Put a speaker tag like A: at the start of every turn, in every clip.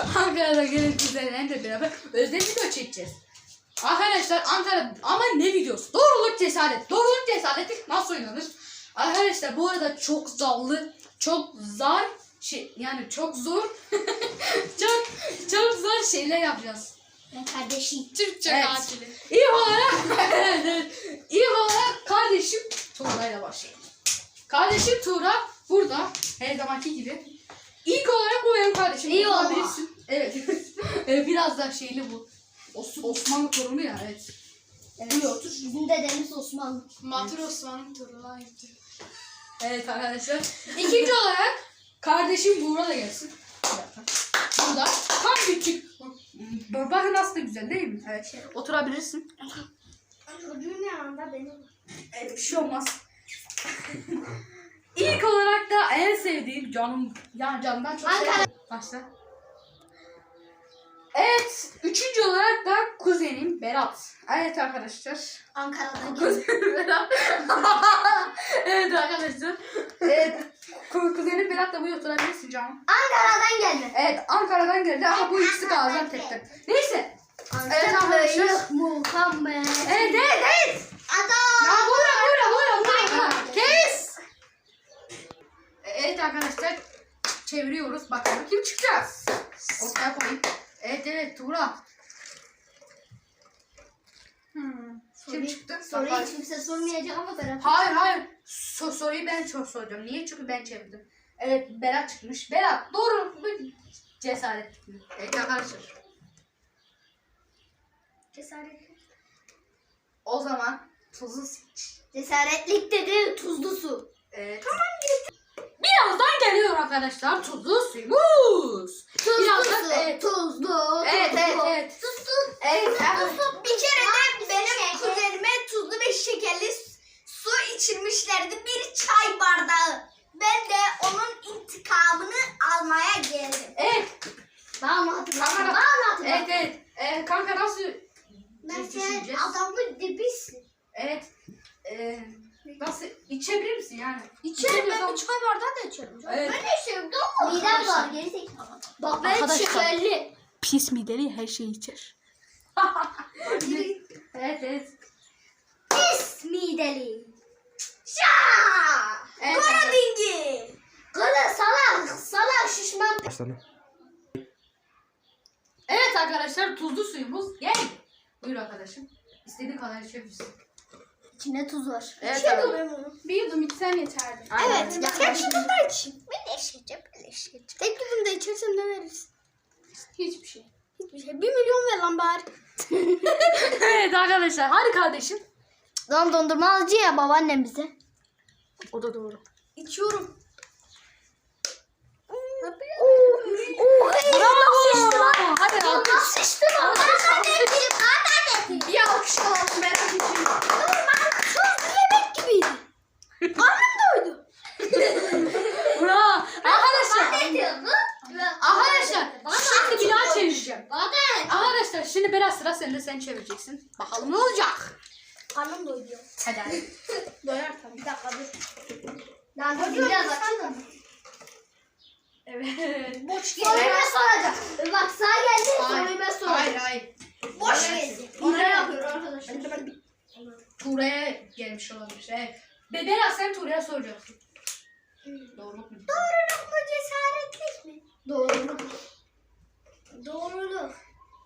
A: Ankara'da gelin kuzenlerle beraber özel video çekeceğiz. Arkadaşlar Ankara ama ne videosu? Doğruluk cesaret. Doğruluk cesareti nasıl oynanır? Arkadaşlar bu arada çok zor yani çok zor çok zor şeyler yapacağız.
B: Ben kardeşim.
C: Türkçe
A: Evet.
C: katili.
A: İlk olarak kardeşim Tuğra'yla başlayalım. Kardeşim Tuğra burada her zamanki gibi. İlk olarak bu benim kardeşim.
B: İyi
A: Tuğra
B: olma.
A: bilirsin. Evet. Biraz da şeyli bu. Osmanlı torunu ya evet.
B: Evet. Otur. Bizim dedemiz Osmanlı.
C: Matur Osman'ın torunu gitti.
A: Evet arkadaşlar. İkinci olarak kardeşim Buğra da gelsin. Bir dakika. Burada tam küçük. Bakın nasıl da güzel değil mi? Evet. Oturabilirsin.
B: Çocuğun yanında benim.
A: Evet, bir şey olmaz. İlk olarak da en sevdiğim canım, yani canımdan çok sevdiğim. Başla. Evet, üçüncü olarak da kuzenim Berat. Evet arkadaşlar.
B: Ankara'dan geldi.
A: Kuzenim Berat. Evet arkadaşlar. Evet, kuzenim Berat da buraya oturabilirsin canım.
B: Ankara'dan geldi.
A: Evet, Ankara'dan geldi ama bu ikisi Gaziantep'ten. Neyse. Evet arkadaşlar.
B: Muhammed.
A: Evet.
B: Adam.
A: Ya buyurun. Kes. Evet arkadaşlar. Çeviriyoruz. Bakalım kim çıkacağız. Ortaya koyayım. Evet Tuğra. Kim çıktı?
B: Soruyu hiç kimse sormayacak ama Berat.
A: Hayır. Soruyu ben soracağım. Niye? Çünkü ben çevirdim. Evet Berat çıkmış. Berat doğru mu? Cesaret. Evet arkadaşlar.
B: Cesaretli.
A: O zaman tuzu seç.
B: Cesaretlik dedi tuzlu su.
A: Evet. Tamam birazdan geliyor arkadaşlar tuzlu suyumuz.
B: Tuzlu
A: Birazdan,
B: su.
A: evet.
B: Tuzlu.
A: Evet.
B: Tuzlu.
A: Evet.
B: Bir kere de benim kuzenime tuzlu ve şekerli su içirmişlerdi. Bir çay bardağı. Ben de onun intikamını almaya geldim.
A: Evet.
B: Bana mı hatırlatma?
A: Evet. Kanka nasıl
B: Ben
A: düşüneceğiz?
B: sen adamın dibisin.
A: Evet. Nasıl içebilir misin yani?
B: İçerim ben bir çay bardağı da içerim.
A: Evet.
B: Ben de içerim doğru. Midem var gerizekalı. Bak ben
A: Arkadaşlar.
B: şekerli.
A: Pis mideli her şeyi içer. Evet.
B: Pis mideli. Şaa!
A: Evet,
B: Kara dingi. Kara salak şişman.
A: Evet arkadaşlar tuzlu suyumuz geldi. Buyur arkadaşım. İstediğin kadar içebilirsin.
B: İçinde tuz var.
A: Evet,
B: İçiyorum
A: abi.
B: ben bunu.
C: Bir yudum içsem yeterdi.
A: Aynen.
B: Evet. Tek yudumda içeyim. Ben de içeceğim. Tek yudumda içersem ne veririz?
C: Hiçbir şey.
B: Hiçbir şey. 1 milyon ver lan bari.
A: Evet arkadaşlar hadi kardeşim.
B: Lan dondurma alıcı ya babaannem bize.
A: O da doğru.
B: İçiyorum.
A: Bravo. Hadi
B: Nasıl içtin o? Bana
C: Bir alkış alalım merak için.
B: tuzlu yemek gibiydi. Karnım doydu.
A: Bravo. Arkadaşlar.
B: Ne diyorsun?
A: Arkadaşlar şimdi bir daha çevireceğim.
B: Bana
A: Arkadaşlar şimdi biraz sıra sende sen çevireceksin. Bakalım ne olacak.
B: karnım doydu.
A: Hadi.
C: Doyar tabii.
B: Bir dakika dur. Lan dur biraz açalım.
C: Evet.
B: Boş soruyu ben soracağım. Bak sağa geldi soruyu ben soracağım.
C: Hayır.
B: Boş geldi. Hile yapıyor arkadaşlar.
A: Tuğra'ya gelmiş olabilir. Evet. Berat sen Tuğra'ya soracaksın. Doğruluk mu?
B: Doğruluk mu cesaretlik mi? Doğruluk. Doğruluk.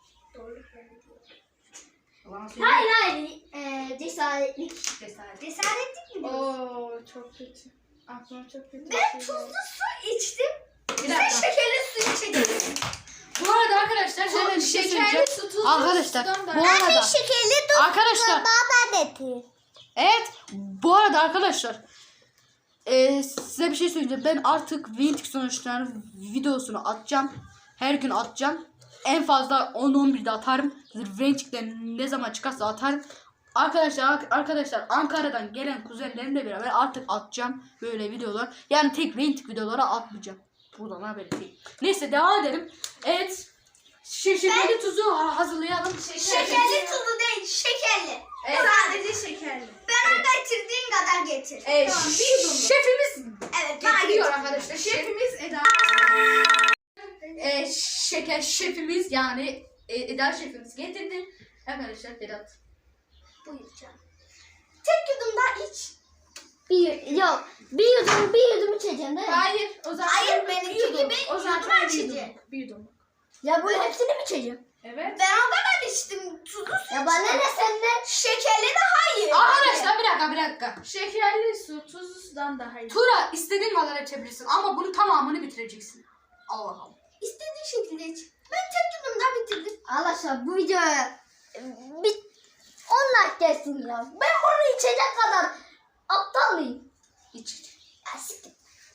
A: Yalan söyle.
B: Hayır. Cesaretlik.
A: Cesaret.
B: Cesaretlik mi?
C: Oo çok kötü. Aklıma çok kötü.
B: Ben tuzlu su içtim.
A: Bir
B: Sen
A: dakika.
B: şekerli su içeceksin.
A: Bu arada arkadaşlar hemen bir şey
C: Şekerli
A: söyleyeceğim.
C: su tuzlu
A: Arkadaşlar
C: sudan da-
A: bu arada
B: şekerli
A: arkadaşlar
B: baba dedi.
A: evet bu arada arkadaşlar size bir şey söyleyeceğim. Ben artık Vintik sonuçlarını videosunu atacağım. Her gün atacağım. En fazla 10-11'de atarım. Vintik'te ne zaman çıkarsa atarım. Arkadaşlar Ankara'dan gelen kuzenlerimle beraber artık atacağım böyle videolar. Yani tek Vintik videoları atmayacağım. Buradan haber değil. Neyse devam edelim. Evet. Şekerli tuzu hazırlayalım.
B: Şekerli tuzlu değil, şekerli.
A: Evet.
B: Sadece şekerli. Bana getirdiğin kadar getir.
A: Tamam, şefimiz
B: Evet, bana
A: getiriyor
B: getir.
A: arkadaşlar.
C: Şefimiz Eda.
A: şeker şefimiz yani Eda şefimiz getirdi. Arkadaşlar Berat.
B: Buyur canım. Tek yudum daha iç.
D: Bir yudum içeceğim değil mi?
C: Hayır o zaman.
B: Hayır, benimki
C: bir yudum.
B: gibi
C: O zaman
B: yudum
C: bir
B: açıcı.
C: yudum. Bir yudum.
D: Ya bu hepsini mi içeceğim?
C: Evet.
B: Ben o kadar içtim. Tuzlu su
D: Ya bana ne senden?
B: Şekerli de hayır.
A: Arkadaşlar bir dakika.
C: Şekerli su tuzlu sudan daha iyi.
A: Tura istediğin kadar içebilirsin ama bunun tamamını bitireceksin. Allah Allah.
B: İstediğin şekilde iç. Ben tek yudum daha bitirdim.
D: Arkadaşlar bu videoya bir 10 like gelsin ya. Ben bunu içecek kadar aptal mıyım?
A: İç.
B: Ya siktir.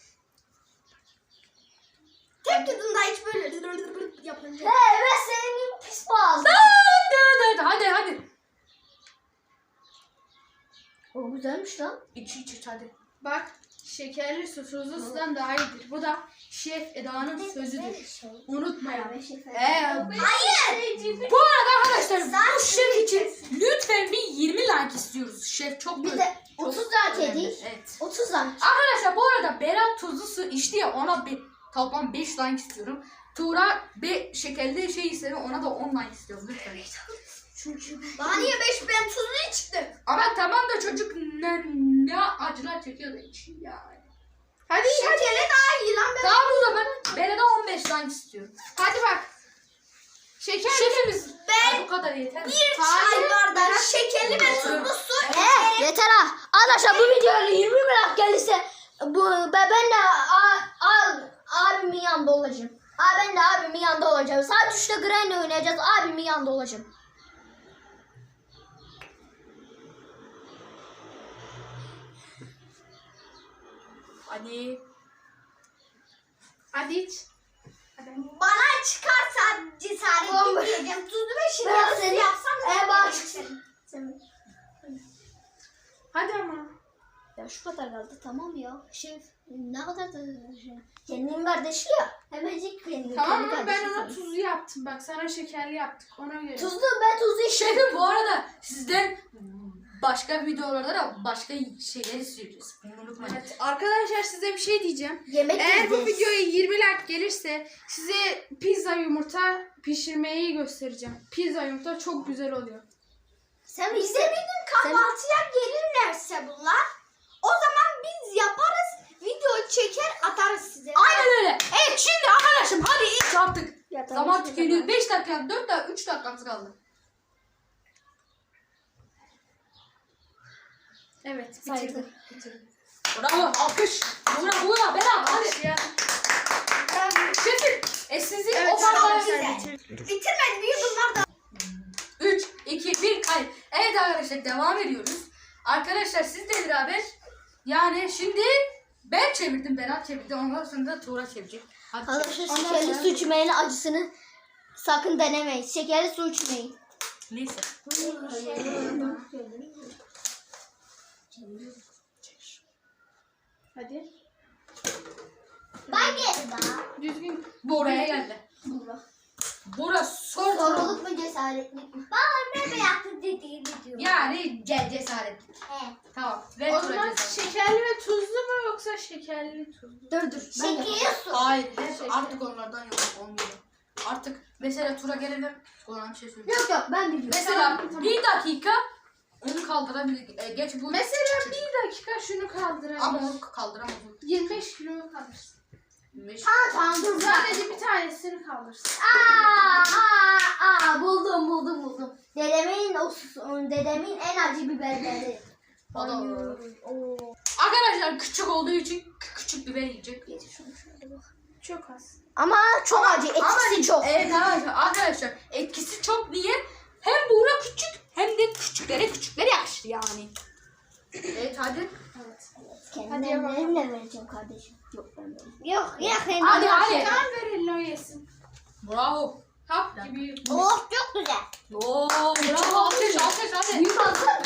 B: Tek yudum daha iç böyle yapınca.
D: He ben senin gibi pis boğazım.
A: Hadi.
D: O güzelmiş lan.
A: İç hadi.
C: Bak şekerli su tuzlu sudan daha iyidir. Bu da Şef Eda'nın sözüdür. Unutmayalım.
B: Hayır.
A: Bu arada arkadaşlar bu şef için lütfen bir 20 like istiyoruz. Şef çok
D: Bir
A: böyle-
D: de
A: çok
D: 30 like
A: önemli.
D: edeyim.
A: Evet.
D: 30 like.
A: Arkadaşlar bu arada Berat tuzlu su içti ya ona bir toplam 5 like istiyorum. Tuğra şekerli şey istedi ona da 10 like istiyorum lütfen.
B: Bana niye 5 ben tuzlu içtim.
A: Ama tamam da çocuk ne acılar çekiyor da içiyor yani.
C: Hadi
B: Şekerli daha iyi lan.
A: Tamam o zaman Berat'a 15 like istiyorum.
C: hadi bak. Şeker.
A: Şefimiz
B: Ben
A: bu kadar yeter mi?
B: bir çay bardağı şekerli ve tuzlu su
D: Yeter ha. Arkadaşlar bu videoya 20 like gelirse ben de abimin yanında olacağım. Ben de abimin yanında olacağım. Saat 3'te Granny oynayacağız. Abimin yanında olacağım.
A: Hadi.
C: Hadi iç.
B: bana çıkarsa cesaret etmeyeceğim. Tuzlu ve
D: Ben
B: şekerli su
D: seni-
B: yapsam
D: bana
B: ben
D: çıksın.
C: Hadi ama.
D: Ya şu kadar kaldı tamam ya. Şef ne kadar da kendinin kardeşi ya. Hemencik kendi
C: Tamam mı?
D: kendi
C: Ben
D: kardeşi
C: ona
D: tabii.
C: tuzlu yaptım. Bak sana şekerli yaptık. Ona göre.
D: Ben tuzlu içtim.
A: Şefim bu arada sizden başka videolarda da başka şeyler istiyoruz. Bunu unutmayın.
C: Evet, arkadaşlar size bir şey diyeceğim.
D: Yemek
C: Eğer bu
D: yiyeceğiz.
C: videoya 20 like gelirse size pizza yumurta pişirmeyi göstereceğim. Pizza yumurta çok güzel oluyor.
D: Sen mi
B: Bize bir gün kahvaltıya gelirlerse bunlar, o zaman biz yaparız, video çeker atarız size.
A: Aynen öyle. Evet şimdi arkadaşım hadi iç artık.
D: Ya, tamam,
A: Zaman
D: şimdi
A: tükeniyor.
D: tamam.
A: 5 dakika 4 dakika 3 dakikamız kaldı.
C: Evet,
D: Saydı.
C: bitirdim.
A: Bravo alkış. Buna Berat hadi.
C: Başlayalım.
A: Şefim sizin
C: Evet,
A: o kadar
C: arkadaşlar, bitirdim.
B: Bitirmedi bir bunlar da.
A: 3, 2, 1 kayıt. Evet arkadaşlar devam ediyoruz. Arkadaşlar sizle beraber yani şimdi ben çevirdim Berat çevirdi ondan sonra da Tuğra çevirecek. Hadi
D: Arkadaşlar
A: çevir.
D: şekerli su içmeyin acısını sakın denemeyin. Şekerli su içmeyin.
A: Neyse.
C: Hadi.
B: Ben geldim daha.
C: Düzgün.
A: Bu oraya geldi. Burası sordu.
D: Soruluk mu cesaretlik mi?
B: Bana ne yaptı dediğini diyor.
A: Yani cesaret.
B: Evet.
A: Tamam. Ver
C: O
A: Tuğra
C: zaman
A: cesaret.
C: şekerli ve tuzlu mu yoksa şekerli tuzlu?
D: Dur. Ben de-
B: Şekerli su.
A: Hayır. Artık onlardan yok. Olmuyor. Artık mesela Tuğra gelelim. Ona bir şey söyleyeyim.
D: Yok ben biliyorum.
A: Mesela
C: Tamam.
A: 1 dakika onu kaldırabilir. Geç bu.
C: Mesela bir dakika şunu
A: Ama
C: kaldıralım.
A: onu kaldıramaz.
C: 25 kilo kaldırsın.
D: Tamam dur.
C: Sadece bir tanesini kaldırsın.
D: Buldum. Dedemin en acı biberleri.
A: Arkadaşlar küçük olduğu için küçük biber yiyecek.
C: Çok az.
D: Ama çok acı. Etkisi çok.
A: Evet arkadaşlar etkisi çok niye? Hem Buğra küçük hem de küçüklere yakışır yani. Evet hadi.
C: Evet.
D: Kendi
C: Hadi yapalım.
D: ellerimle vereceğim kardeşim. Yok ben vereyim. Yok
A: Hadi hadi.
C: Tamam ver eline o yesin.
A: Bravo.
C: Hap gibi.
B: Oh çok güzel.
A: Oo bravo alkış hadi.
D: Büyük alsın.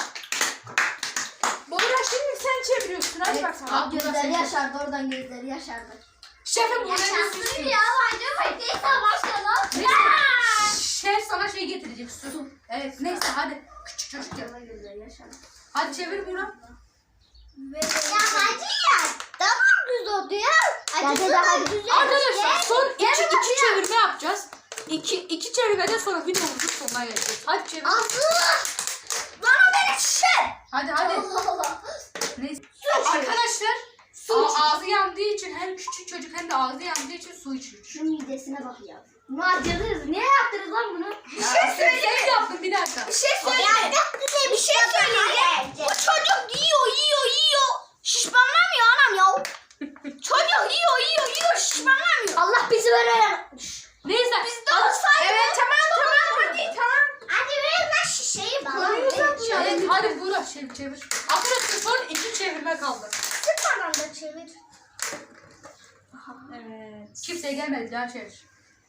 C: Bora şimdi sen çeviriyorsun. Hadi
A: Evet,
C: bakalım.
A: al.
D: Gözleri yaşardı oradan gözleri yaşardı.
A: Şefim burada
B: Yaşasın
A: bir süs.
B: ya. Hadi neyse başlayalım.
A: Şef sana şey getirecek su. Evet neyse hadi. Küçük çocuk ya.
D: Oradan gözleri yaşardı.
A: Hadi çevir Buğra.
B: Ya hadi ya. Tamam güzel oldu ya.
D: Hadi de hadi.
A: Arkadaşlar son iki çevirme yapacağız. çevirmeden sonra videomuzun sonuna geleceğiz. Hadi çevir.
B: Bana beni şişer.
A: Hadi. Neyse. Arkadaşlar ağzı yandığı için hem küçük çocuk hem de ağzı yandığı için su içiyor.
D: Şu midesine bak ya. Bunu acıdınız. Niye yaptınız lan bunu?
B: Bir şey söyleyeyim.
A: Sen yaptın bir dakika.
B: Bir şey söyleyeyim. Bir şey söyleyeyim. Bu çocuk yiyor. Şişmanlamıyor anam ya. Çocuk yiyor. Şişmanlamıyor.
D: Allah bizi böyle.
A: Neyse.
B: Biz de olsaydı.
C: Evet tamam hadi.
B: Hadi ver lan şişeyi bana.
C: Konuyu uzatma.
A: Evet, hadi Burak çevir. Arkadaşlar son 2 çevirme kaldı.
B: Sıkmadan da çevir.
A: Evet. Kimseye gelmedi daha çevir.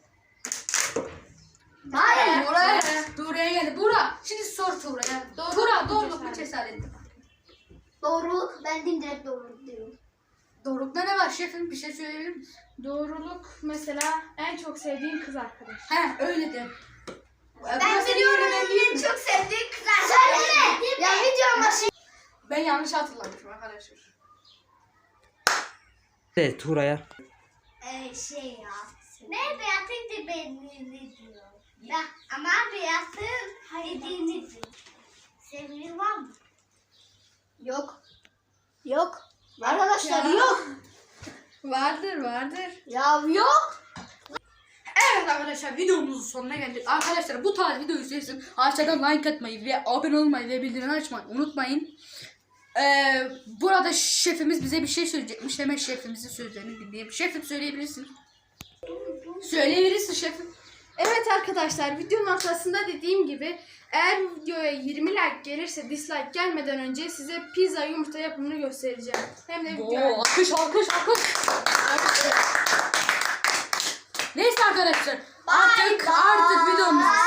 D: Hayır.
A: Buraya geldi. Burak şimdi sor Tuğra'ya. Tuğra doğruluk mu cesaret mi?
D: Doğruluk. Ben dimdirek doğruluk diyorum.
A: Doğrulukta ne var şefim? Bir şey söyleyebilir misin?
C: Doğruluk mesela en çok sevdiğin kız arkadaş.
A: He öyle de.
B: Ben biliyorum en çok sevdiğim kızlar.
D: Söyleme. Ya videonun başı.
A: Ben yanlış hatırlamışım arkadaşlar.
E: Evet Tuğra'ya.
B: Şey ya. Ne Beyat'ın dediğini diyor. Ama Beyat'ın dediğini diyor. Sevgili var mı?
D: Yok. Arkadaşlar yok.
C: Vardır.
D: Ya yok.
A: Evet arkadaşlar videomuzun sonuna geldik. Arkadaşlar bu tarz video izleyin. Aşağıdan like atmayı ve abone olmayı ve bildirim açmayı unutmayın. Burada şefimiz bize bir şey söyleyecekmiş. Hemen şefimizin sözlerini dinleyelim. Şefim söyleyebilirsin. Söyleyebilirsin şefim.
C: Evet arkadaşlar videonun ortasında dediğim gibi eğer bu videoya 20 like gelirse dislike gelmeden önce size pizza yumurta yapımını göstereceğim. Hem de video.
A: Alkış. Neyse arkadaşlar. Artık videomuzun